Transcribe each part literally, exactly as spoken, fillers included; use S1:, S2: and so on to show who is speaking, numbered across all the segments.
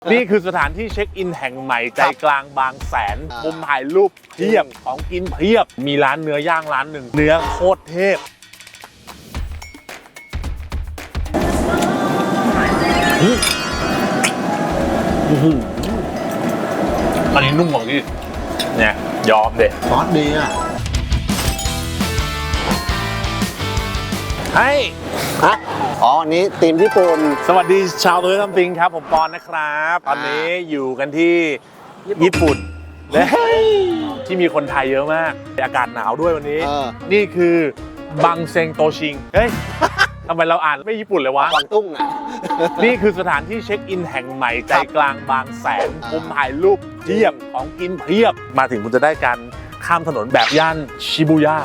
S1: นี่คือสถานที่เช็คอินแห่งใหม่ใจกลางบางแสนมุมถ่ายรูปเพียบของกินเพียบมีร้านเนื้อย่างร้านหนึ่งเนื้อโคตรเทพอันนี้นุ่มของที่เนี่ยยอมเด็ด
S2: ซอสดีอ่ะ
S1: ให้
S2: ฮะอ๋ออันนี้ทีมญี่ปุ่น
S1: สวัสดีชาวตัวทำปิงครับผมปอนนะครับตอนนี้อยู่กันที่ญี่ปุ่นและที่มีคนไทยเยอะมากอากาศหนาวด้วยวันนี้ นี่คือบังเซงโตชิงเฮ้ยทำไมเราอ่านไม่ญี่ปุ่นเลยวะ
S2: กวางตุ้งอ่ะ
S1: นี่คือสถานที่เช็คอินแห่งใหม่ใจกลางบางแสนมุมถ่ายรูปเพียบของกินเพียบมาถึงคุณจะได้การข้ามถนนแบบย่านชิบูย่า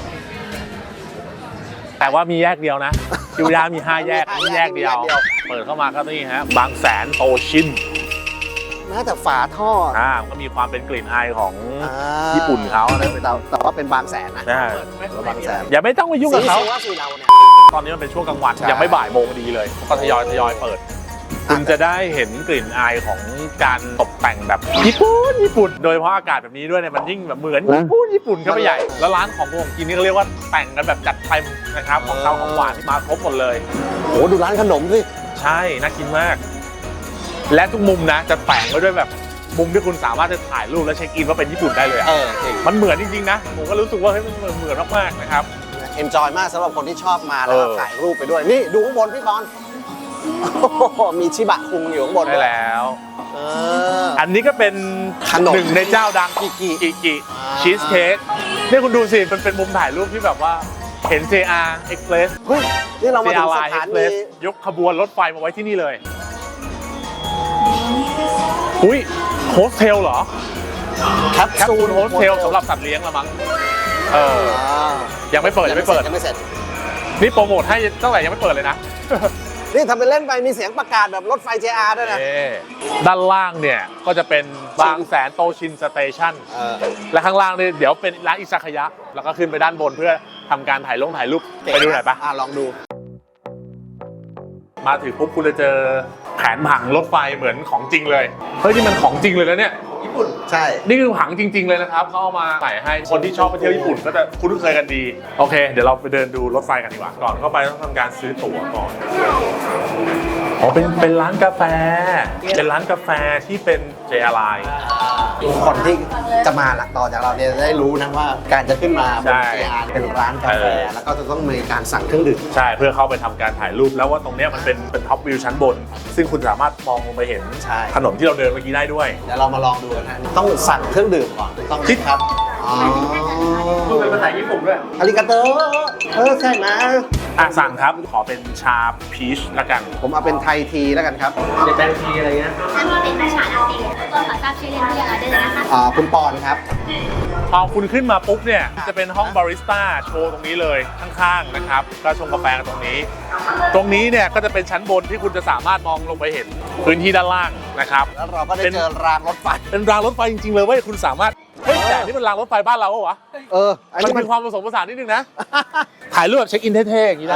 S1: แต่ว่ามีแยกเดียวนะชิบูย่ามีห้าแยกนี่แยกเดียวเปิดเข้ามาก็นี่ฮะบางแสนโตชิน
S2: น่าจะฝาท่อ
S1: อ่าก็มีความเป็นกลิ่นอายของญี่ปุ่นเขานะ
S2: แต่แต่ว่าเป็นบางแสนนะบางแสน
S1: อย่าไม่ต้องไปยุ่งกับเขา
S2: ว่าสีเราเนี่ย
S1: ตอนนี้มันเป็นช่วงกลางวันยังไม่บ่ายโมงดีเลยก็ทยอยทยอยเปิดคุณจะได้เห็นกลิ่นอายของการตกแต่งแบบญี่ปุ่นญี่ปุ่นโดยเฉพาะอากาศแบบนี้ด้วยเนี่ยมันยิ่งแบบเหมือนญี่ปุ่นญี่ปุ่นเข้าไปใหญ่แล้วร้านของผมกินนี่เขาเรียกว่าแต่งกันแบบจัดเต็มนะครับของข้าวของหวานมาครบหมดเลย
S2: โอ้ดูร้านขนมสิ
S1: ใช่น่ากินมากและทุกมุมนะจะแต่งไว้ด้วยแบบมุมที่คุณสามารถจะถ่ายรูปและเช็คอินว่าเป็นญี่ปุ่นได้เลย
S2: เออ
S1: มันเหมือนจริงๆนะผมก็รู้สึกว่าเฮ้ยมันเหมือนมากๆนะครับ
S2: เอนจอยมากสำหรับคนที่ชอบมาแล้วถ่ายรูปไปด้วยนี่ดูข้างบนพี่บอลมีชิบะคุงอยู่ข้างบน
S1: ได้แล้ว
S2: เออ
S1: อันนี้ก็เป็นหนึ่งในเจ้าดังกิกิกิกิชีสเค้กนี่คุณดูสิมันเป็นมุมถ่ายรูปที่แบบว่าเห็น เจ อาร์ Express
S2: เฮ้ยนี่เรามาถึงสถานี
S1: ยกขบวนรถไฟมาไว้ที่นี่เลยอุ้ยโฮสเทลเหรอ
S2: แคป
S1: แคปซูลโฮสเทลสำหรับสัตว์เลี้ยงละมั้งเออยังไม่เปิดยังไม่เปิด
S2: ยังไม่เสร็จ
S1: นี่โปรโมทให้ตั้งแต่ยังไม่เปิดเลยนะ
S2: นี่ทำเป็นเล่นไปมีเสียงประกาศแบบรถไฟ เจ อาร์ ด้วยนะ
S1: ด้านล่างเนี่ยก็จะเป็นบางแสนโตชินสเตชันและข้างล่างเนี่ยเดี๋ยวเป็นร้านอิซากายะแล้วก็ขึ้นไปด้านบนเพื่อทำการถ่ายลงถ่ายรูปไปดูหน่อยปะ
S2: ลองดู
S1: มาถึงปุ๊บคุณจะเจอแผนผังรถไฟเหมือนของจริงเลยเฮ้ยนี่มันของจริงเลยนะเนี่ยญี่ปุ่น
S2: ใช่
S1: นี่คือผังจริงๆเลยนะครับเขาเอามาใส่ให้คนที่ชอบไปเที่ยวญี่ปุ่นก็จะคุ้นเคยกันดีโอเคเดี๋ยวเราไปเดินดูรถไฟกันดีกว่าก่อนเข้าไปต้องทำการซื้อตั๋วก่อนอ๋อเป็นเป็นร้านกาแฟเป็นร้านกาแฟที่เป็น เจ อาร์ Line
S2: คนที่จะมาหลักต่อจากเราเนี่ยได้รู้นะว่าการจะขึ้นมาบน เจ อาร์ เป็นร้านกาแฟแล้วก็จะต้องมีการสั่งเครื่องดื่ม
S1: ใช่เพื่อเข้าไปทำการถ่ายรูปแล้วว่าตรงนี้มันเป็นเป็นท็อปวิวชั้นบนซึ่งคุณสามารถมองลงไปเห็นถนนที่เราเดินเมื่อกี้ได้ด้วย
S2: เดี๋ยวเรามาลองดูกันนะต้องสั่งเครื่องดื่มก่อนต้องคิดครับอ๋อ
S1: พูดเป็นภาษาญี่ปุ่นด้วย
S2: อาริกาโตเออใช่ไหม
S1: อ่ะสั่งครับขอเป็นชาพีชละกัน
S2: ผมเอาเป็นไทยทีแล้วกันครับ
S1: เดี๋ยวแบงทีอะไรเงี้ย
S3: ท่านว่าเป็นชาลาเต้ก็ขอทราบชื่อเล่นที่ยังออเดอร์นะคะ
S2: อ่าคุณปอนครับ
S1: พอคุณขึ้นมาปุ๊บเนี่ยจะเป็นห้องบาริสต้าโชว์ตรงนี้เลยข้างๆนะครับก็ชงกาแฟกันตรงนี้ตรงนี้เนี่ยก็จะเป็นชั้นบนที่คุณจะสามารถมองลงไปเห็นพื้นที่ด้านล่างนะครับ
S2: แล้วเราก็ได้เจอรางรถไฟ
S1: เป็นรางรถไฟจริงๆเลยเว้ยคุณสามารถเฮ้ยแต่นี่มันรางรถไฟบ้านเราเหรอวะ
S2: เออ
S1: มันมีความผสมผสานนิดนึงนะถ่ายรูปแบบเช็คอินเท่ๆอย่างนี้ได้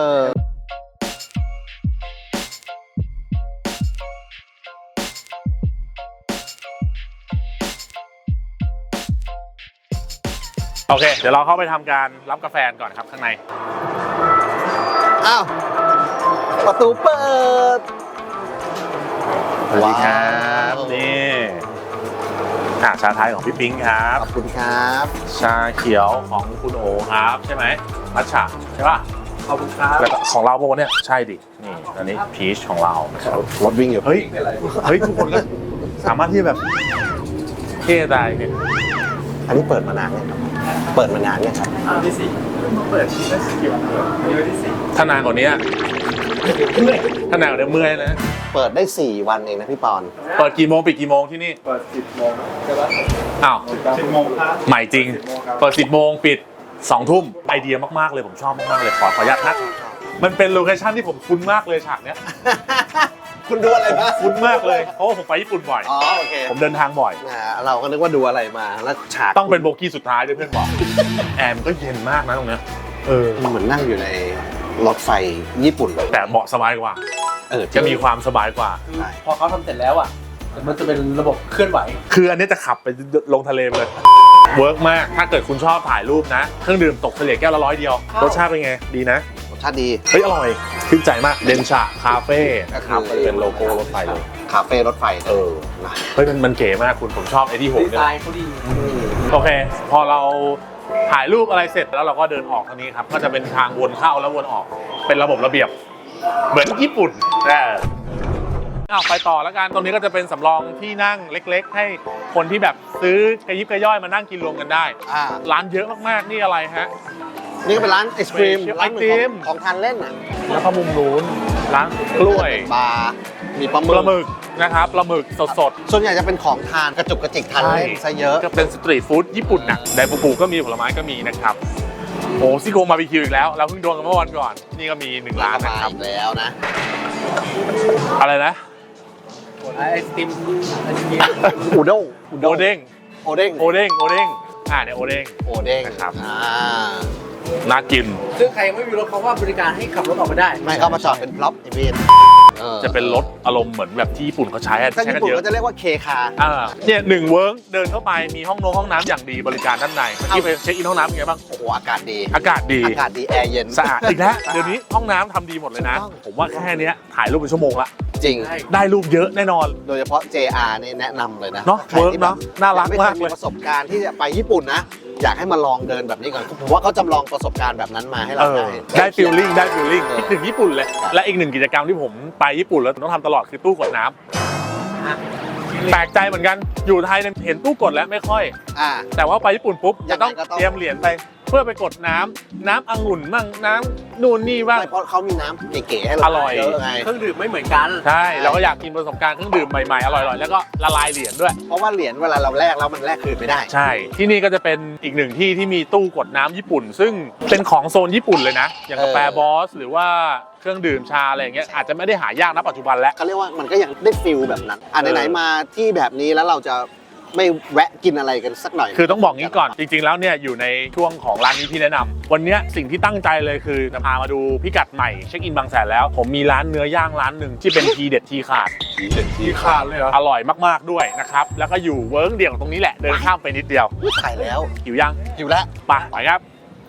S1: โอเคเดี๋ยวเราเข้าไปทำการรับกาแฟก่อนครับข้างใน
S2: อ้าวประตูเปิด
S1: สวัสดีครับนี่อ่ะชาไทยของพี่ปิ๊งครับ
S2: ขอบคุณครับ
S1: ชาเขียวของคุณโอครับใช่ไหมมัทฉะใช่ป่ะขอบคุณครับแล้วของเราโบเนี่ยใช่ดินี่อันนี้พีชของเรา
S2: รถวิ่งอยู่
S1: เฮ้ยเฮ้ยทุกคนก็สามารถที่แบบเท่ได้เนี่ย
S2: อันนี้เปิดมานานเนี่ยครับเปิดมานานเนี่ยครับ
S1: อันที่สี่เปิดที่ได้สี่วันอันนี้ที่สี่ถ้านานกว่านี้ถ้านานกว่านี้เมื่อยนะ
S2: เปิดได้สี่วันเองนะพี่ปอน
S1: เปิดกี่โมงปิดกี่โมงที่นี่
S4: เปิดสิบโมงใช่ปะ
S1: อ้าว
S4: สิบโมงครับ
S1: ใหม่จริงเปิดสิบโมงปิดสองทุ่มไอเดียมากๆเลยผมชอบมากๆเลยขอขออนุญาตนะมันเป็นโลเคชั่นที่ผมคุ้นมากเลยฉากเนี้ย
S2: คุณดูอะไรมา
S1: คุ้นมากเลยเพราะว่าผมไปญี่ปุ่นบ่อย
S2: อ๋อโอเค
S1: ผมเดินทางบ่อย
S2: เราก็นึกว่าดูอะไรมาแล้วฉาก
S1: ต้องเป็นโบกี้สุดท้ายด้วยเพื่อนบอกแอร์มันก็เย็นมากนะตรงเนี้ยเออ
S2: เหมือนนั่งอยู่ในรถไฟญี่ปุ่น
S1: แต่เหมาะสบายกว่า
S2: เออ
S1: จะมีความสบายกว่า
S2: ใช่
S4: พอเขาทำเสร็จแล้วอ่ะมันจะเป็นระบบเคลื่อนไหว
S1: คืออันนี้จะขับไปลงทะเลไปเลยเวิร์กมากถ้าเกิดคุณชอบถ่ายรูปนะเครื่องดื่มตกเฉลี่ยแก้วละร้อยเดียวรสชาติเป็นไงดีนะ
S2: รสชาติดี
S1: เฮ้ยอร่อยชื่นใจมากเดนชาคาเฟ่
S2: ก็คือ
S1: ครับเป็นโลโก้รถไฟเลย
S2: คาเฟ่รถไฟ
S1: เออเฮ้ยมันมันเก๋มากคุณผมชอบไอ้ที่หก
S4: ดี
S1: เนี่
S4: ไซ
S1: ย
S4: น์เขาดี
S1: โอเค พอเราถ่ายรูปอะไรเสร็จแล้วเราก็เดินออกทางนี้ครับ ก็จะเป็นทางวนเข้าแล้ววนออก เป็นระบบระเบียบ เหมือนญี่ปุ่นนะเอาไปต่อแล้วกัน ตรงนี้ก็จะเป็นสำรองที่นั่งเล็ก ๆ ให้คนที่แบบซื้อกระยิบกระย่อยมานั่งกินรวมกันได้
S2: อ่า
S1: ร้านเยอะมากๆ นี่อะไรฮะ
S2: นี่ก็เป็นร้านไอศครีม
S1: Special
S2: ร้านเหมือน
S1: ไอติม
S2: ของของทานเล่นอ่ะ
S1: แล้วก็มุมนู้นร้านกล้วย
S2: บาร์มีปลาห
S1: ป
S2: มึ
S1: ลาก หมึกนะครับปลาหมึกสดๆ
S2: ส่วนใหญ่จะเป็นของทานกระจุกกระจิกทานเล่นซะเยอะ
S1: ก็เป็นสตรีทฟู้ดญี่ปุ่นน่ะไดฟูกุก็มีผลไม้ก็มีนะครับโอ้ซี่โครงบาร์บีคิวอีกแล้วเราเพิ่งโดนกันเมื่อวันก่อน นี่ก็มีหนึ่งร้านนะครับ
S2: อีกแล้วนะ
S1: อะไรนะ
S4: ไอติมไอติม
S2: อูด้ง
S1: โอเด้ง
S2: โอเด้ง
S1: โอเด้งโอเด้งอ่าเนี่ยโอเด้ง
S2: โอเด้ง
S1: นะครับ
S2: อ่า
S1: น่ากิน
S4: ซึ่งใครยังไม่มีรถเขาว่าบริการให้ขับรถออกมาได้
S2: ไม่เข้ามาจอดเป็นพล็อปอีเวนต์
S1: จะเป็นรถอารมณ์เหมือนแบบที่ญี่ปุ่นเขาใช้อะ
S2: ถ้า
S1: ใช้
S2: ญี่
S1: กัน
S2: ปุ่น
S1: เยอะ
S2: ก็จะเรียกว่าเคคา
S1: อ่าเนี่ยหนึ่งเวิร์กเดินเข้าไปมีห้องน้ำห้องน้ำอย่างดีบริการด้านในที่ไปเช็คอินห้องน้ำเป็นไงบ้าง
S2: โอ้โหอากาศดี
S1: อากาศดี
S2: อากาศดีแอร์เย็น
S1: สะอาดอีกแล้วเดี๋ยวนี้ห้องน้ำทำดีหมดเลยนะ
S2: ถูกต้อง
S1: ผมว่าแค่เนี้ยถ่ายรูปเป็นชั่วโมงละ
S2: จริง
S4: ใช่
S1: ได้รูปเยอะแน่นอน
S2: โดยเฉพาะ เจ อาร์ นี่แนะนำเลยนะ
S1: เนอะ
S2: ใครที่
S1: เวิร์กเนอะน่ารัก
S2: ยังไม่เค
S1: มาย ก
S2: มี
S1: เลย
S2: ประสบการณ์ที่จะไปญี่ปุ่นนะ อยากให้มาลองเดินแบบนี้ก่อนผมว่าเขาจำลองประสบการณ์แบบนั้นมาให้
S1: เอ
S2: เรา
S1: อ
S2: ได้
S1: ได้ฟิลลิ่งได้ฟิลลิ่ง
S2: เออ
S1: คิดถึงญี่ปุ่นเลย และอีกหนึ่งกิจกรรมที่ผมไปญี่ปุ่นแล้วต้องทำตลอดคือตู้กดน้ำแปลกใจเหมือนกันอยู่ไทยเนี่ยเห็นตู้กดแล้วไม่ค่อย
S2: อ่า
S1: แต่ว่าไปญี่ปุ่นปุ๊บ
S2: ยั
S1: จะ
S2: งไง
S1: ต้อง
S2: ก็ต้อง
S1: เตรียมเหรียญไปเพื่อไปกดน้ำน้ำองุ่นบ้างน้ำนู่นนี่บ้าง
S2: ไม่เพราะเขามีน้ำเก๋ๆให้เรา
S1: อร่อย
S2: เยอะไง
S4: เครื่องดื่มไม่เหมือนกัน
S1: ใช่เราก็อยากกินประสบการณ์เครื่องดื่มใหม่ๆอร่อยๆแล้วก็ละลายเหรียญด้วย
S2: เพราะว่าเหรียญเวลาเราแลกแล้วมันแลกคืนไม่ได้
S1: ใช่ ที่นี่ก็จะเป็นอีกหนึ่งที่ที่มีตู้กดน้ำญี่ปุ่น ซึ่งเป็นของโซนญี่ปุ่นเลยนะ อย่างกาแฟ
S2: เออ
S1: บอส หรือว่าเครื่องดื่มชาอะไรอย่างเงี้ยอาจจะไม่ได้หายากนะปัจจุบันแล้ว
S2: เขาเรียกว่ามันก็ยังได้ฟิลแบบนั้น อ่ะ
S1: เออ
S2: ไหนๆมาที่แบบนี้แล้วเราจะไม่แวะกินอะไรกันสักหน่อย
S1: คือต้องบอกงี้ก่อนจริงๆแล้วเนี่ยอยู่ในช่วงของร้านนี้ที่แนะนำวันเนี้ยสิ่งที่ตั้งใจเลยคือจะพามาดูพิกัดใหม่เช็คอินบางแสนแล้ว ผมมีร้านเนื้อย่างร้านหนึ่งที่เป็นทีเด็ดทีขาด
S2: ทีเด็ดที
S1: ขาดเลยเหรออร่อยมากๆด้วยนะครับแล้วก็อยู่เวิร์กเดี่ยวตรงนี้แหละเดินข้ามไปนิดเดียว
S2: ถ่ายแล้ว
S1: หิวยัง
S2: อยู่แล้ว
S1: ไปไปครับ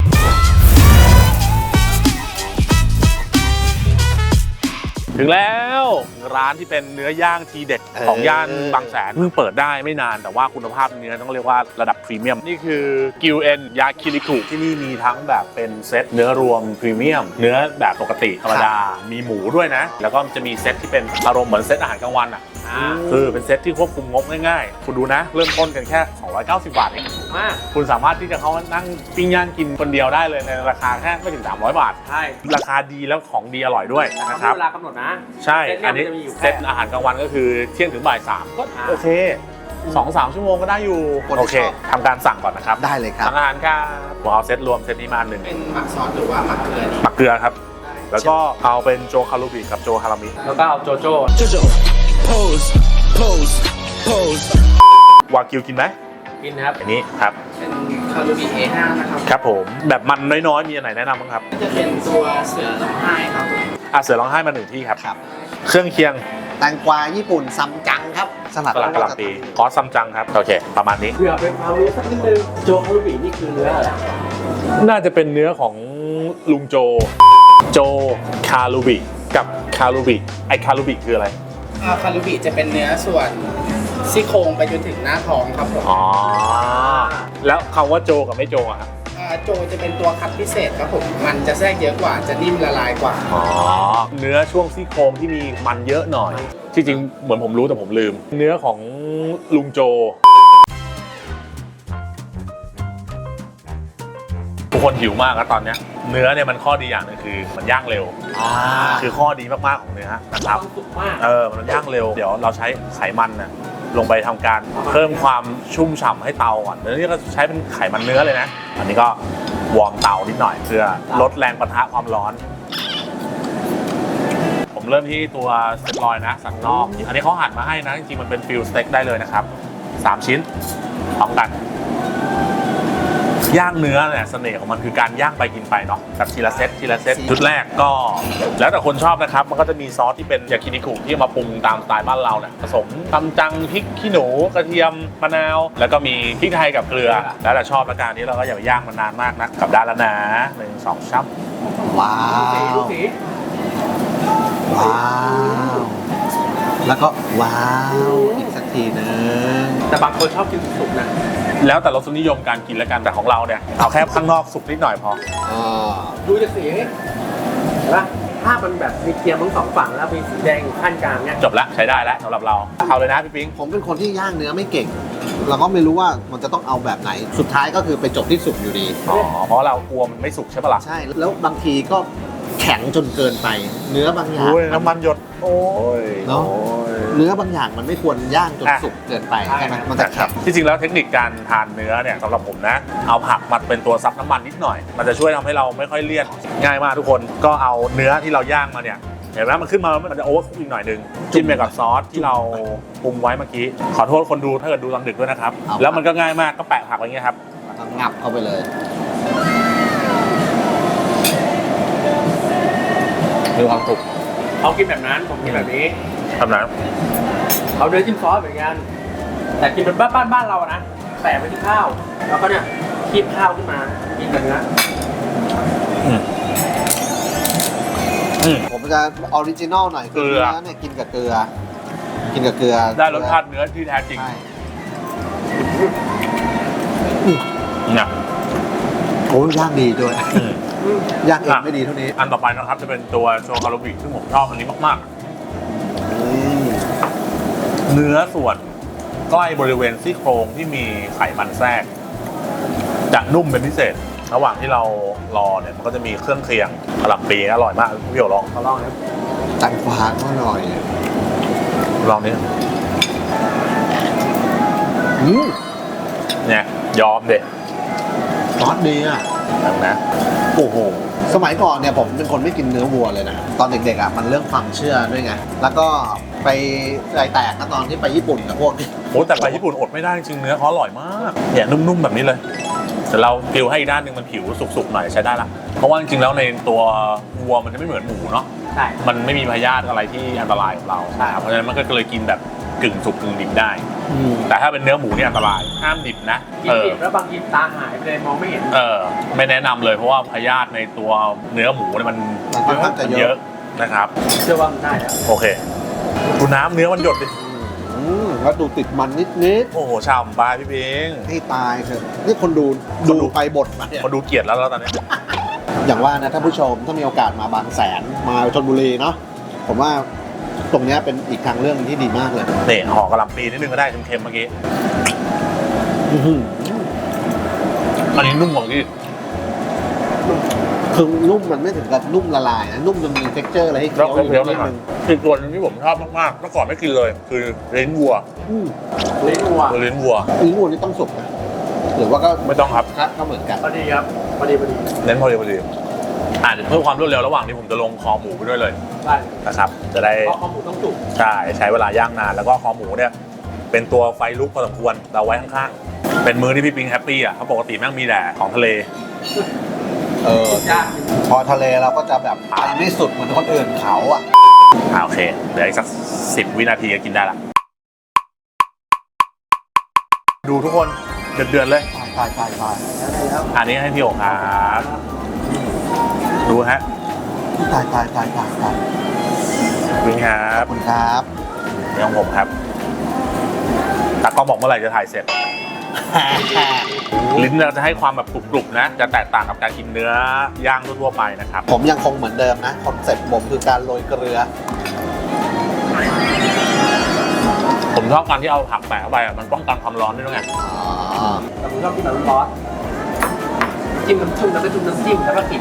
S1: ถึงแล้วร้านที่เป็นเนื้อย่างทีเด็ดของย่านบางแสนเพิ่งเปิดได้ไม่นานแต่ว่าคุณภาพเนื้อต้องเรียกว่าระดับพรีเมียมนี่คือกิวเอ็นยาคิริคุที่นี่มีทั้งแบบเป็นเซตเนื้อรวมพรีเมียมเนื้อแบบปกติธรรมดามีหมูด้วยนะ แล้วก็จะมีเซตที่เป็นอารมณ์เหมือนเซตอาหารกลางวันอ่ะคือเป็นเซตที่ควบคุมงบง่ายๆคุณดูนะเริ่มต้นกันแค่สองร้อยเก้าสิบบาทเอง
S4: มาก
S1: คุณสามารถที่จะเข้ามานั่งปิ้งย่างกินคนเดียวได้เลยในราคาแค่ไม่ถึงสามร้อยบาท
S4: ใช่
S1: ราคาดีแล้วของดีอร่อยด้วย
S4: นะ
S1: นะ
S4: ค
S1: ค
S4: รั
S1: รั
S4: บบ เวลากำหนดนะ
S1: ใช่
S4: เซตเนี่ย
S1: อันนี้
S4: มันจะมีอยู่แค่
S1: เซตอาหารกลางวันก็คือเที่ยงถึงบ่ายสามก็
S4: อ่า
S1: โอเคสองสามชั่วโมงก็ได้อยู่
S2: คนที่
S1: โอเค
S2: ชอบ
S1: ทำการสั่งก่อนนะครับ
S2: ได้เลยครับ
S1: สั่งอาหารครับผมเอาเซตรวมเซตนี้มาหนึ่ง
S4: เป็นหมักซอสหรือว่าหมักเกลือนี่
S1: หมักเกลือครับ แล้วก็เอาเป็นโจคารุบิกับโจฮารามิ
S4: แล้วก็เอาโจโจ้
S5: Jojo, pose, pose, pose.
S1: วากิวกินไหม
S4: กินนะครับ
S1: อันนี้ครับ
S4: เป็นคารูบิ เอ ห้า นะครับ
S1: ครับผมแบบมันน้อยๆมีอันไหนแนะนำบ้างครับ
S4: ก็จะเป็นตัวเสือร้องไห้ครับ
S1: อ่ะเสือร้องไห้มาหนึ่งที่ครับ
S2: ครับ
S1: เครื่องเคียง
S2: แตงกวาญี่ปุ่นซัมจังครับสลัด
S1: สลัดกะหล่ำปีคอสซัมจังครับโอเคประมาณนี้
S4: เผื่อเป็นความรู้สักนิดนึงโจคารูบินี่คือเนื้ออะไร
S1: น่าจะเป็นเนื้อของลุงโจ โจคารูบิกับคารูบิไอคารูบิคืออะไร
S6: อ่าคารุบิจะเป็นเนื้อส่วนซี่โครงไปจนถึงหน้าท้องครับผม
S1: อ๋อ แล้วคำว่าโจกับไม่โจอะครับ
S6: อ่าโจจะเป็นตัวคัดพิเศษครับผม มันจะแทรกเยอะกว่า จะนิ่มละลายกว่า
S1: อ๋อ เนื้อช่วงซี่โครงที่มีมันเยอะหน่อย ที่จริงเหมือนผมรู้แต่ผมลืม เนื้อของลุงโจ ทุกคนหิวมากแล้วตอนเนี้ยเนื้อเนี่ยมันข้อดีอย่างหนึงคือมันย่างเร็ว
S2: อ่า
S1: คือข้อดีมากๆของเนื้อนะครับ
S4: ต้องสุกมาก
S1: เออ มันย่างเร็ว เดี๋ยวเราใช้ไขมันนะลงไปทำการเพิ่มความชุ่มฉ่ำให้เตาก่อนเดี๋ยวนี้ก็ใช้เป็นไขมันเนื้อเลยนะ อันนี้ก็วอร์มเตานิดหน่อยเพื่อลดแรงปะทะความร้อน ผมเริ่มที่ตัวสเต็กลอยนะ สันนอก อันนี้เขาหั่นมาให้นะ จริงๆ มันเป็นฟิลสเต็กได้เลยนะครับสามชิ้นพร้อมกันย่างเนื้อเนี่ยเสน่ห์ของมันคือการย่างไปกินไปเนาะแบบทีละเซตทีละเซตชุดแรกก็แล้วแต่คนชอบนะครับมันก็จะมีซอสที่เป็นยากินิคุที่มาปรุงตามสไตล์บ้านเราเนี่ยผสมตำจังพริกขี้หนูกระเทียมมะนาวแล้วก็มีพริกไทยกับเกลือแล้วแต่ชอบละกันนี้เราก็อย่าไปย่างมันนานมากนะกับด้านละนะหนึ่งสองช้ำ
S2: ว้าว ว้าว แล้วก็ว้าวอีกสักทีนึง
S4: แต่บางคนชอบกินสุกๆนะ
S1: แล้วแต่รสนิยมการกินแล้วกันแต่ของเราเนี่ยเอาแค่ข้างนอกสุกนิดหน่อยพอ
S2: อ่า
S4: ดูจากสีเห็นปะถ้ามันแบบมีเทียมทั้งสองฝั่งแล้วมีสีแดงอยู่ขั้นกลางเนี่ย
S1: จบแล้วใช้ได้แล้วสำหรับเราเอาเลยนะพี่ปิ๊ง
S2: ผมเป็นคนที่ย่างเนื้อไม่เก่ง เราก็ไม่รู้ว่ามันจะต้องเอาแบบไหน สุดท้ายก็คือไปจบที่สุกอยู่ดี
S1: อ๋อเพราะเรากลัวมันไม่สุกใช่ปะล่ะ
S2: ใช่ แล้วบางทีก็แข็งจนเกินไป เนื้อบางอย่าง
S1: โอ้ยน้ำมันหยดโอ้ย
S2: เนาะ
S1: โอ้ย
S2: เนื้อบางอย่างมันไม่ควรย่างจนสุกเกินไปใช่ไหมมันจะแข็ง
S1: ที่จริงแล้วเทคนิคการทานเนื้อเนี่ยสำหรับผมนะ เอาผักมาเป็นตัวซับน้ำมันนิดหน่อย มันจะช่วยทำให้เราไม่ค่อยเลี่ยนง่ายมากทุกคนก็เอาเนื้อที่เราย่างมาเนี่ยเห็นไหมมันขึ้นมามันจะโอเวอร์คุกอีกหน่อยนึงจิ้มไปกับซอสที่เราปรุงไว้เมื่อกี้ขอโทษคนดูถ้าเกิดดูตอนดึกด้วยนะครับ
S2: เอา
S1: แล้วมันก็ง่ายมากก็แปะผักไว้อย่างเงี้ยครับ
S2: งับเข้าไปเลย
S1: มีความสุข
S4: เขากินแบบนั้นผมกินแบบนี้
S1: ทำนั้น
S4: เขาเนื้อจิ้มซอสเหมือนกันแต่กินเป็นบ้านบ้านบ้านเราอะนะแปะไปที่ข้าว แล้วก็เนี่ยคีบข้าวขึ้นมากินกับเนื้อ
S1: อืมอืม
S2: ผมจะออริจินอลหน่อยคือ
S1: เกลือ
S2: เนื้อเนี่ยกินกับเกลือ กินกับเกลือ
S1: ได้รสชาติเนื้อที่แท้จริง
S2: ใช่
S1: เนี่ย
S2: โอ้ย่างดีด้วย
S1: อืม
S2: ย่างเอง
S1: อ่ะ
S2: ไม่ดีเท่านี้
S1: อันต่อไปนะครับจะเป็นตัวโชคารุบิซึ่งผมชอบอันนี้มาก
S2: อืม
S1: ๆ เนื้อส่วนใกล้บริเวณซี่โครงที่มีไขมันแทรกจะนุ่มเป็นพิเศษ ระหว่างที่เรารอเนี่ยมันก็จะมีเครื่องเคียงกะหล่ำปีอร่อยมากพี่โอลอง
S4: เขาลองนะครับ
S2: แตงกวาก็อร่อย
S1: ลองนี้
S2: อืม
S1: เนี่ยยอมเด็ด
S2: ซอสดีอ่ะ
S1: นะ
S2: โอ้โห สมัยก่อนเนี่ยผมเป็นคนไม่กินเนื้อวัวเลยนะ ตอนเด็กๆอ่ะมันเรื่องความเชื่อด้วยไง แล้วก็ไปใจแตกนะตอนที่ไปญี่ปุ่นกับพวกนี้
S1: โอ้แต่ไปญี่ปุ่นอดไม่ได้จริงๆเนื้อเขาอร่อยมากเนี่ยนุ่มๆแบบนี้เลยแต่เรากิวให้อีกด้านหนึ่งมันผิวสุกๆหน่อยใช้ได้ละเพราะว่าจริงๆแล้วในตัววัวมันจะไม่เหมือนหมูเนาะ
S4: ใช่
S1: มันไม่มีพยาธิอะไรที่อันตรายกับเรานะครับเพราะฉะนั้นมันก็เลยกินแบบกึ่งสุกกึ่งดิบได้
S2: อืม
S1: แต่ถ้าเป็นเนื้อหมูเนี่ยอันตรายห้ามดิบนะ
S4: กิน
S1: เออ
S4: ดิบแล้วบางทีตาหายไปเลยมองไม่เห็น
S1: เออไม่แนะนำเลยเพราะว่าพยาธิในตัวเนื้อหมูเนี่ยมัน
S2: มันค่อนข้างจะเยอะ
S1: เยอะนะครับ
S4: เชื่อว่ามันได้แล้ว
S1: โอเคดูน้ำเนื้อมันหยดดิ
S2: อืมแล้วดูติดมันนิด
S1: โอ้โหฉ่ำปลาพี่เพิง
S2: ๆให้ตายเถอะนี่คนดู
S1: คนดู
S2: ดูไปบทมาเนี่ย
S1: คนดูเกลียดแล้วแล้วตอนนี้
S2: อย่างว่านะท่านผู้ชมถ้ามีโอกาสมาบางแสนมาชลบุรีเนาะผมว่าตรงเนี้ยเป็นอีกทางเรื่องที่ดีมากเลย
S1: นี่ห่อกระหล่ำปีนิดนึงก็ได้เค็มๆเมื่อกี้
S2: อื้อหือ
S1: อันนี้นุ่มกว่าที่
S2: คือนุ่มมันไม่ถึงกับนุ่มละลายนะนุ่มจนมีเท็กเจอร์อะไรให้เคี้
S1: แล้
S2: ยว วอยู่
S1: เคี้ยวห
S2: นิด
S1: น่อย
S2: นึง
S1: อีกตัวหนึงที่ผมชอบมากๆเมื่อก่อนไม่กินเลย คือลิ้นวัว
S2: อืม
S4: ลิ้นวัว
S1: คือลิ้นวัว
S2: ลิ้นวัวนี่ต้องสุกนะหรือว่าก็
S1: ไม่ต้องครับ
S2: ก็เหมือนกัน
S4: พอดีครับพอดีพอดี
S1: เน้นพอดีพอดีอ่าเดี๋ยวเพิ่มความรวดเร็วระหว่างนี้ผมจะลงคอหมูไปด้วยเลย
S4: ได้
S1: นะครับจะได้
S4: เพราะข้าวหมูต้องสุก
S1: ใช่ใช้เวลาย่างนานแล้วก็คอหมูเนี่ยเป็นตัวไฟลุกพอสมควรเราไว้ข้างๆเป็นมื้อที่พี่ปิงแฮปปี้อ่ะเพราะปกติแม่งมีแต่ของทะเล
S2: เออ
S4: ยาก
S2: พอทะเลเราก็จะแบบไปไม่สุดเหมือนคนอื่นเขาอ่ะ
S1: อ่าโอเคเหลืออีกสักสิบวินาทีก็กินได้ละดูทุกคนเดือดๆเลย
S2: ตายตายตายตาย
S1: อันนี้ให้พี่โอ๋ครับดูฮะ
S2: ตายตายตายตายตาย
S1: ปิงครั
S2: ขอ
S1: บบ
S2: คุณครับ
S1: นี่ของผมครับตากล้องบอกเมื่อไหร่จะถ่ายเสร็จ ลิ้นเราจะให้ความแบบกรุบๆนะ จะแตกต่างกับการกินเนื้อย่างทั่วๆไปนะครับ
S2: ผมยังคงเหมือนเดิมนะคอนเซ็ปต์ผมคือการโรยเกลือ
S1: ผมชอบการที่เอาผักแปะเข้าไปอ่ะมันป้องกันความร้อนด้วยไง
S2: อ๋อ
S4: แต่ผมชอบกินแบบร้อนๆจิ้มน้ำชุ่มแล้วก็จุ่มน้ำจิ้มแล้วก็กิน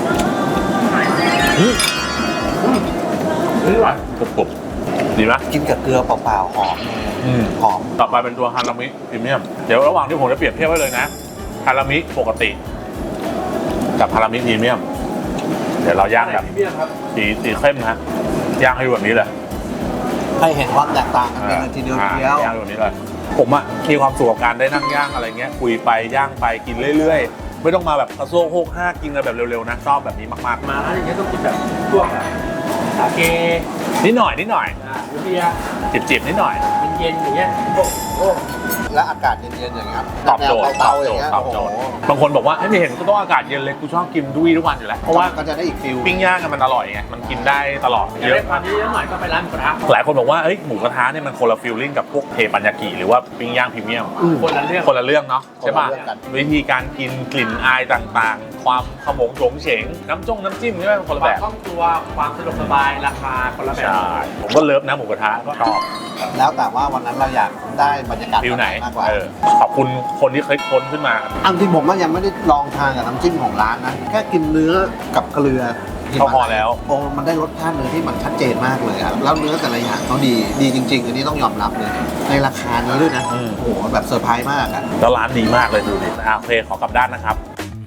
S1: อืมอร่อยกรุบๆดีไหม
S2: กินกับเกลือเปล่าๆหอม
S1: อืม
S2: หอม
S1: ต่อไปเป็นตัวฮารามิพรีเมียมเดี๋ยวระหว่างที่ผมจะเปรียบเทียบไว้เลยนะฮารามิปกติ กับฮารามิพรีเมียมเดี๋ยวเราย่างแบบ
S4: พรีเมียมครับ
S1: สีสีเข้มนะย่างให้ดูแบบนี้เลย
S2: ให้เห็นความแตกต่างกันเป็นทีเดียวทีเดียว
S1: ย่างแบบนี้เลยผมอะมีความสุขกับการได้นั่งย่างอะไรเงี้ยคุยไปย่างไปกินเรื่อยๆไม่ต้องมาแบบกระโซกโฮกห้ากินกันแบบเร็วๆนะชอบแบบนี้มาก
S4: มาร้านอย่างเงี้ยต้องกินแบบพวกแบบสาเก
S1: ๆนิดหน่อยนิดหน่อย
S4: อ่าเบียร์
S1: จิบๆนิดหน่อย
S4: เย็นๆอย่างเงี้ยโอ้โห
S2: และอากาศเย็นๆอย่างเงี้ย
S1: ตอบโจทย์
S2: แนว
S1: ต
S2: เตา
S1: อบ
S2: ๆอ
S1: โจ
S2: ย่าง
S1: ทย์
S2: เงี้ย
S1: ตอบ
S2: โอ้
S1: โจ
S2: โห
S1: ทย์บางคนบอกว่าไม่เห็นก็ต้องอากาศเย็นเลยกูชอบกินดุยทุกวันอยู่แล้วเพราะว่า
S2: ก็จะได้อีกฟิล
S1: ปิ้งย่างกันมันอร่อยไงมันกินได้ตลอด
S4: อยาก
S1: เย
S4: ได้
S1: อะ
S4: ความเยอะๆหน่อยก็ไปร้านหมูกระทะ
S1: หลายคนบอกว่าเอ้ยหมูกระทะเนี่ยมันคนละฟิลลิ่งกับพวกเทปัญญากิหรือว่าปิ้งย่างพรีเมียม
S4: คนละเรื่อง
S1: คนละเรื่องเนาะใช่ป่ะ
S2: คนละเรื่องกัน
S1: วิธีการกินกลิ่นอายต่างๆ ความขมงโฉงเฉงน้ำจ้งน้ำจิ้มใช่ไหมมันคนละ
S4: ค
S1: แบ
S4: วาม
S1: บ
S4: คล่องตัวความสะดวกสบายราคาคนละแบบ
S1: ใช่ผมก็เลิฟนะหมูกระทะก็ชอบ
S2: แล้วแต่ว่าวันนั้นเราอยากได้บรรยากาศ
S1: ฟิลไหน
S2: มากกว่า
S1: เออขอบคุณคนที่เคยค้นขึ้นมา
S2: อันที่ผมว่ายังไม่ได้ลองทานกับน้ำจิ้มของร้านนะแค่กินเนื้อกับเกลือ
S1: ก็พอแล้ว
S2: โอ้มันได้รสชาติเนื้อที่มันชัดเจนมากเลยครับแล้วเนื้อแต่ละอย่างเขาดีดีจริง ๆ อันนี้ต้องยอมรับเลย ในราคานี้ด้วยนะ
S1: อืม
S2: โอ้โหแบบเซอร์ไพรส์มากอะ
S1: แล้วร้านดีมากเลยดูดิอ่ะโอเคขอกลับด้านนะครับ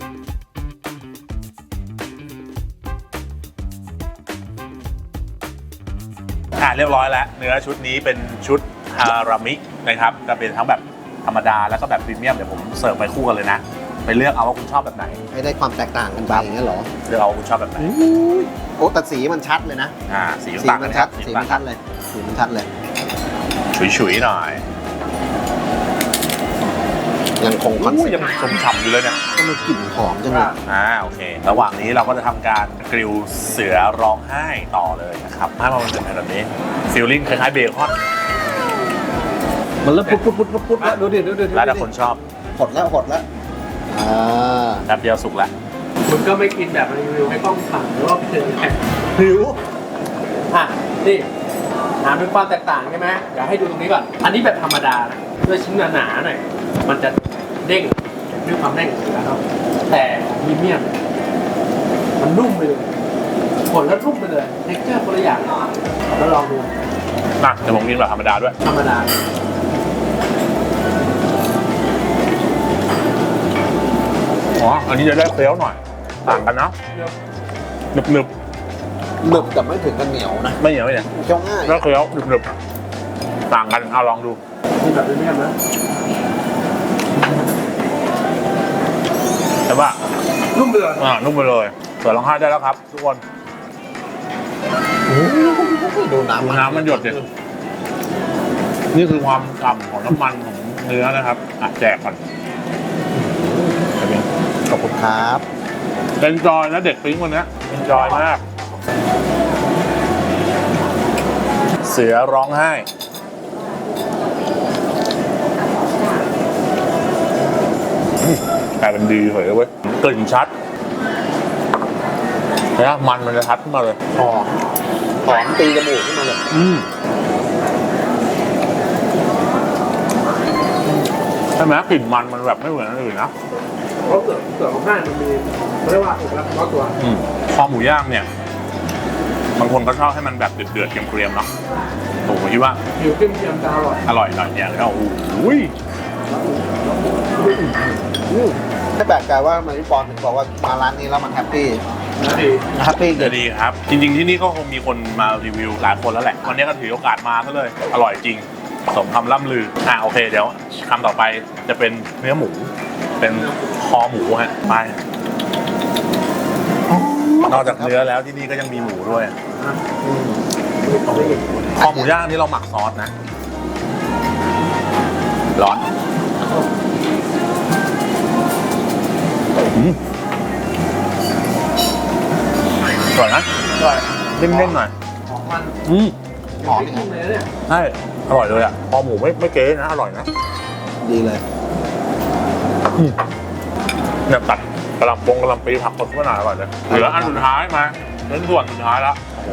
S1: อ่ะเรียบร้อยแล้วเนื้อชุดนี้เป็นชุดฮารามินะครับจะเป็นทั้งแบบธรรมดาแล้วก็แบบพรีเมียมเดี๋ยวผมเสิร์ฟไปคู่กันเลยนะไปเลือกเอาว่าคุณชอบแบบไหน
S2: ให้ได้ความแตกต่างกันไปอย่างเงี้ยเหรอ
S1: เลือกเอาว่าคุณชอบแบบไหน
S2: โอ้แต่สีมันชัดเลยนะ
S1: อ่าสี
S2: สี
S1: ต่างกั
S2: มัน น
S1: ค
S2: ชั
S1: รั
S2: ด
S1: บ
S2: สีมันชัดเลยสีมันชัดเลย
S1: ฉุยๆหน่อย
S2: ยังคงคอน
S1: อู้
S2: เซ็ป
S1: ยัง
S2: ต์
S1: ชมฉ่ำอยู่เลยเนี่ย
S2: ก็มีกลิ่นหอมจังเลย
S1: อ่าโอเค ระหว่างนี้เราก็จะทำการกริลเสือร้องไห้ต่อเลยนะครับให้มันเป็นแบบนี้ฟิลลิ่งคล้ายๆเบคอน
S2: มันเริ่มปุ๊บปุ๊บปุ๊บปุ๊บปุ๊บแล้วดูดิดูดิดูดิ
S1: แล้วแต่คนชอบ
S2: หดแล้วหดแล้วอ่า
S1: แป๊บเดียวสุกแล้ว
S4: คุณก็ไม่กินแบบรีวิวให้กล้องสั่งหรือว่าเจอแข่ง
S2: หิว
S4: อ่ะนี่ถามถึงความแตกต่างใช่ไหมเดี๋ยวให้ดูตรงนี้ก่อน อันนี้แบบธรรมดานะด้วยชิ้นหนาๆหน่อยมันจะเด้งด้วยความเด้งของเนื้อครับแต่พรีเมียมมันนุ่มไปเลยผลแล้วนุ่มไปเลยเท็กเจอร์คนละอย่างแล้วลองดู
S1: นะเดี๋ยวผมกินแบบธรรมดาด้วย
S4: ธรรมดา
S1: อ๋อ อันนี้จะได้เคี้ยวหน่อย ต่างกันนะหนึบหนึบ
S2: หนึบแต่ไม่ถึงกันเหนียวนะ
S1: ๆไม่เหนียวไม่เหนียว
S2: เคี้ยวง่าย
S1: ได้เคี้ยวหนึบหนึบๆต่างกันเอาลองดู
S4: นี่แบบพรีเมียมนะ
S1: แต่ว่า
S4: นุ่มไปเลย
S1: อ่านุ่มไปเลยเสือร้องไห้ได้แล้วครับ ทุกคน
S2: ดูน้ำ
S1: ดูน้ำมันหยดดินี่คือความฉ่ำของน้ำมันของเนื้อนะครับอ่ะแจกก่อนแบบนี้
S2: ขอบคุณครับ
S1: เป็นจอยนะเด็กปิ๊งวันนี้เป็นจอยมาก เสือร้องไห้อืมกลายเป็นดีเฉยเลยเว้ยกลิ่นชัดนะมันมันจะชัดขึ้นมาเลย
S2: หอมหอมตีจมูกขึ้นมาเลย
S1: อืมใช่ไหมกลิ่นมันมันแบบไม่เหมือนอันอื่นนะ
S4: เพราะเสือเสือของห้างมันมีเขาเรียกว่าเอกลักษณ์เฉพาะตัว
S1: อืมคอหมูย่างเนี่ยบางคนก็ชอบให้มันแบบเดือดๆเกรียมๆเนาะผมคิดว่า
S4: ผิวเข้มเทียมจะอร่อย
S1: อร่อยหน่อยอย่างนี้โอ้โห
S2: ไม่แปลกใจว่ามันพี่ปอนถึงบอกว่ามาร้านนี้แล้วมันแฮปปี้
S4: นะดี
S2: แฮปปี้
S1: จะดีครับ จริงๆที่นี่ก็คงมีคนมารีวิวหลายคนแล้วแหละ วันนี้ก็ถือโอกาสมาซะเลย อร่อยจริง สมคำล่ำลือ อ่ะโอเคเดี๋ยวคำต่อไปจะเป็นเนื้อหมู เป็นคอหมูฮะไปนอกจากเนื้อแล้วที่นี่ก็ยังมีหมูด้วย คอหมูย่างนี่เราหมักซอสนะ ร้อนอืมอร่อยนะ
S4: อร่อย
S1: เด้งๆหน่อย
S4: ของมัน
S1: อืม
S2: หอม
S4: ไม่นุ่มเลยเนี่ย
S1: ใช่อร่อยเลยอ่ะคอหมูไม่ไม่เก๋นะ อร่อยนะ
S2: ดีเลย
S1: เนี่ยตัดกระหลำปงกระหลำปีผักสดขึ้นมาหน่อยอร่อยเลยเหลืออันสุดท้ายมาเน้นส่วนสุดท้ายแล้วโอ้โห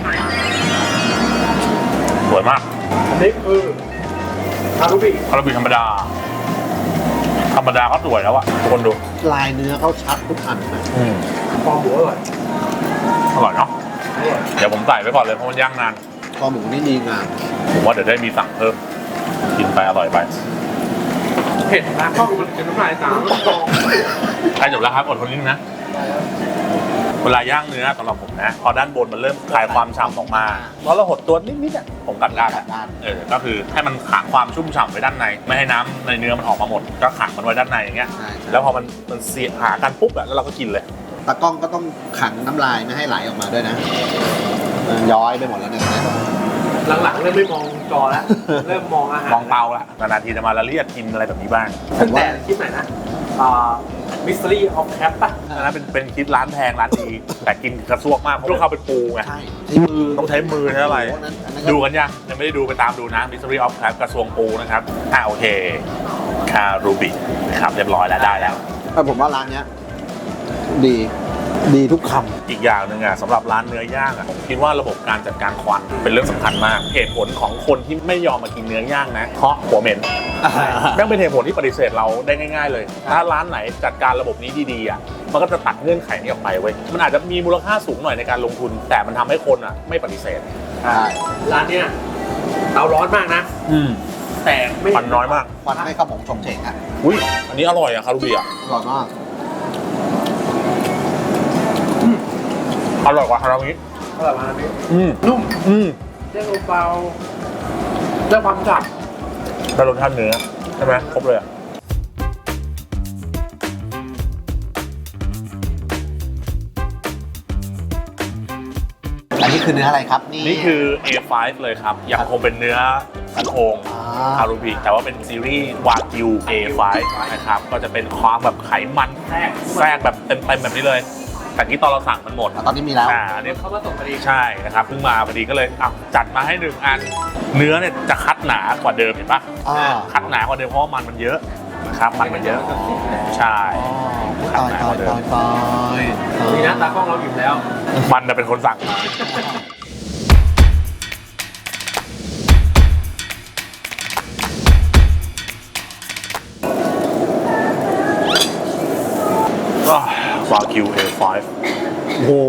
S1: สวยมาก
S4: อันนี้คือคารุบิ
S1: คาราบิธรรมดา ธรรมดาก็สวยแล้วอะทุกคนดู
S2: ลายเนื้อเขาชัดทุกอันนะ
S1: อืม
S4: ฟองหมูอร่อย
S1: อร่อยเนาะ
S4: อร่อย
S1: เดี๋ยวผมใส่ไปก่อนเลยเพราะมันย่างนาน
S2: คอหมูนี่ดีงาม
S1: ผมว่าเดี๋ยวได้มีสั่งเพิ่ม กินไปอร่อยไป
S4: เผ็ดนะข้าวมันเป็นน้ำลายตาม
S1: ใกล้จบแล้วครับอดทนนิดนึงนะ ไปเวลาย่างเนื้อสำหรับผมนะพอด้านบนมันเริ่มคลายความฉ่ำออกมาเพราะเราหดตัวนิดๆอ่ะผมกัดด้าน
S2: กัดด้าน
S1: เออก็คือให้มันขังความชุ่มฉ่ำไว้ด้านในไม่ให้น้ำในเนื้อมันออกมาหมดก็ขังมันไว้ด้านในอย่างเงี้ย
S2: ใช่ใช่
S1: แล้วพอมันมันเสียหากันปุ๊บอ่ะแล้วเราก็กินเลย
S2: ตากล้องก็ต้องขังน้ำลายไม่ให้ไหลออกมาด้วยนะมันย้อยไปหมดแล้วเนี่ย
S4: หลังๆเริ่มไม่มองจอแล้ว เริ่มมองอาหาร
S1: มองเตาละนานๆทีจะมาละเลียดกินอะไรแบบนี้บ้าง
S4: ตั้งแต่คลิปไหนนะอ่า Mystery of Cap ป่ะ
S1: อันนั้นเป็นเป็นคิดร้านแพงร้านดีแต่กินกระซวกมากเพราะลูกค้าเป็นปูไง
S2: ใช่ที่มือ
S1: ต้องใช้มือใช้อะไร
S2: โโหนั้นอันนั้นก็
S1: ดูกันยังยังไม่ได้ดูไปตามดูนะ Mystery of Crab กระทรวงปูนะครับอ่าโอเคคารูบินะครับเรียบร้อยแล้วได้แล้ว
S2: แต่ผมว่าร้านเนี้ยดีดีทุกค
S1: อีกอย่างหนึ่งอ่ะสำหรับร้านเนื้อย่างอ่ะผมคิดว่าระบบการจัดการควันเป็นเรื่องสำคัญมากเหตุผลของคนที่ไม่ยอมมากินเนื้อย่างนะเพราะหัวเหม็น
S2: ำ
S1: แม่งเป็นเหตุผลที่ปฏิเสธเราได้ง่ายๆเลย ถ้าร้านไหนจัดการระบบนี้ดีๆอ่ะมันก็จะตัดเงื่อนไขนี้ออกไปเว้ยมันอาจจะมีมูลค่าสูงหน่อยในการลงทุน แต่มันทำให้คนอ่ะไม่ปฏิเสธ
S2: ใช่
S4: ร้านเนี้ยเตาร้อนมากนะ
S1: อืม
S4: แต่ไม่
S1: ควันน้อยมาก
S2: ควันไม่เข้าหมองชงเฉงอ่ะ
S1: อุ้ยอันนี้อร่อยอ่ะคารูบิอ่ะ
S2: อร่อยมาก
S1: อร่อยกว่าคารามิ
S4: อร่อยมากนี่
S1: อืม
S4: นุ่ม
S1: อืม
S4: เส้นเบาๆได้ความจับ
S1: ได้รสชาติเนื้อใช่ไหมครบเลยอ่ะ
S2: อันนี้คือเนื้ออะไรครับนี่
S1: นี่คือ เอ ไฟว์ เลยครับ ยังคงเป็นเนื้อสันโอง
S2: อ่
S1: คารูบิแต่ว่าเป็นซีรีส์วากิว เอ ไฟว์ นะครับ ก็จะเป็นความแบบไขมันแทรกแทรกแบบเต็มๆแบบนี้เลย แต่ที่ตอนเราสั่งมันหมด
S2: อ่ะตอนนี้มีแล้ว
S1: อ่าอันนี้
S4: เขามาส่งพอดี
S1: ใช่นะครับเพิ่งมาพอดีก็เลยอ่ะจัดมาให้หนึ่งอัน เนื้อเนี่ยจะคัดหนากว่าเดิมเห็นปะ
S2: อ่า
S1: คัดหนากว่าเดิมเพราะว่ามันมันเยอะนะครับมันมันเยอะ ใช่
S2: ตายตายตายตาย
S4: นี่นะตากล้องเราอิ่มแล้ว
S1: มันน่ะเป็นคนสั่งมาวากิว เอ ไฟว์
S2: โอ้โห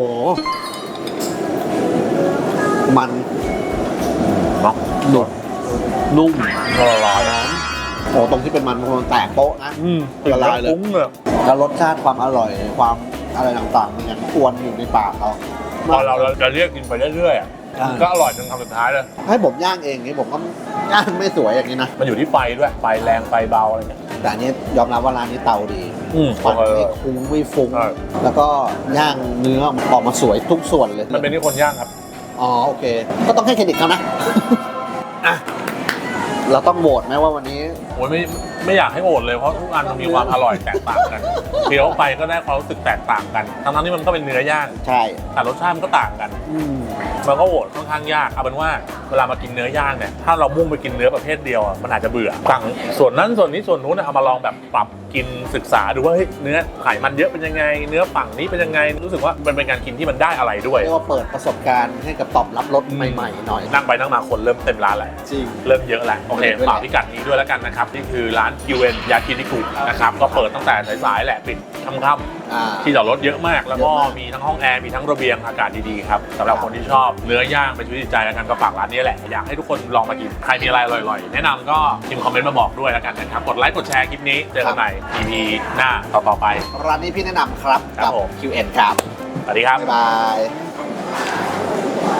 S2: มัน
S1: เนาะ
S2: หนุบนุ่ม
S1: ละลาย
S2: โอ้ตรงที่เป็นมันมันแตกโป๊ะนะ
S1: อืม
S2: ละลายเลย
S1: ฟุ้งเลย
S2: แล้วรสชาติความอร่อยความอะไรต่างๆมันยังอวนอยู่ในปากเรา
S1: พอเราเราจะเรียกกินไปเรื่อยๆอ่ะ
S2: อ่า
S1: ก็อร่อยจนคำสุดท้ายเลย
S2: ให้ผมย่างเองนี่ผมก็ย่างไม่สวยอย่างนี้นะ
S1: มันอยู่ที่ไฟด้วยไฟแรงไฟเบาอะไรเงี้ย
S2: แต่อันนี้ยอมรับว่าร้านนี้เตาดี
S1: อืม
S2: ควันไม่คุ้งไม่ฟุ้ง
S1: ใช่
S2: แล้วก็ย่างเนื้อออกมาสวยทุกส่วนเลย
S1: มันเป็นที่คนย่างครับ
S2: อ๋อโอเค ก็ต้องให้เครดิตเขานะ อ่ะเราต้องโหวตไหมว่าวันนี้
S1: โอ้ยไม่ไม่อยากให้โอดเลยเพราะทุกอันมันมีความอร่อยแตกต่างกันเคี้ยวไปก็ได้ความรู้สึกแตกต่างกันทั้งๆที่มันก็เป็นเนื้อย่าง
S2: ใช่
S1: แต่รสชาติมันก็ต่างกัน
S2: อืม
S1: มันก็โหวตค่อนข้างยากเอาเป็นว่าเวลามากินเนื้อย่างเนี่ยถ้าเรามุ่งไปกินเนื้อประเภทเดียวอะมันอาจจะเบื่อสั่งส่วนนั้นส่วนนี้ส่วนนู้นอะเอามาลองแบบปรับกินศึกษาดูว่าเฮ้ยเนื้อไขมันเยอะเป็นยังไง เนื้อฝั่งนี้เป็นยังไงรู้สึกว่ามันเป็นการกินที่มันได้อะไรด้วย
S2: เรียกว่าเปิดประสบการณ์ให้กับตอบรับรสใหม่ๆหน่อย
S1: นั่งไปนั่งมาคนเริ่มเต็มร้านแหละ
S2: จริง
S1: เริ่มเยอะแล้วโอเคฝากพิกัดนี้ด้วยแล้วกันนะครับนี่คือร้าน คิว เอ็น ยากินิคุนะครับก็เปิดตั้งแต่สายๆแหละปิดค่ำ
S2: อ่า
S1: ๆที่จอดรถเยอะมาก แล้วก็
S2: เยอะมาก
S1: มีทั้งห้องแอร์มีทั้งระเบียงอากาศดีๆครับสำหรับคนที่ชอบเนื้อย่างเป็นชีวิตจิตใจแล้วกันก็ฝากร้านนี้แหละอยากให้ทุกคนลองมากินใครมีอะไรอร่อยๆแนะนำก็พิมพ์คอมเมนต์มาบอกด้วยแล้วกันนะครับกดไลค์กดแชร์คลิปนี้เจอกันใหม่ อี พี หน้าต่อๆไป
S2: ร้านนี้พี่แนะนำครับ
S1: ครั
S2: กับ
S1: ผม
S2: คิว เอ็น ครับ
S1: สวัสดีครับ
S2: บ๊ายบาย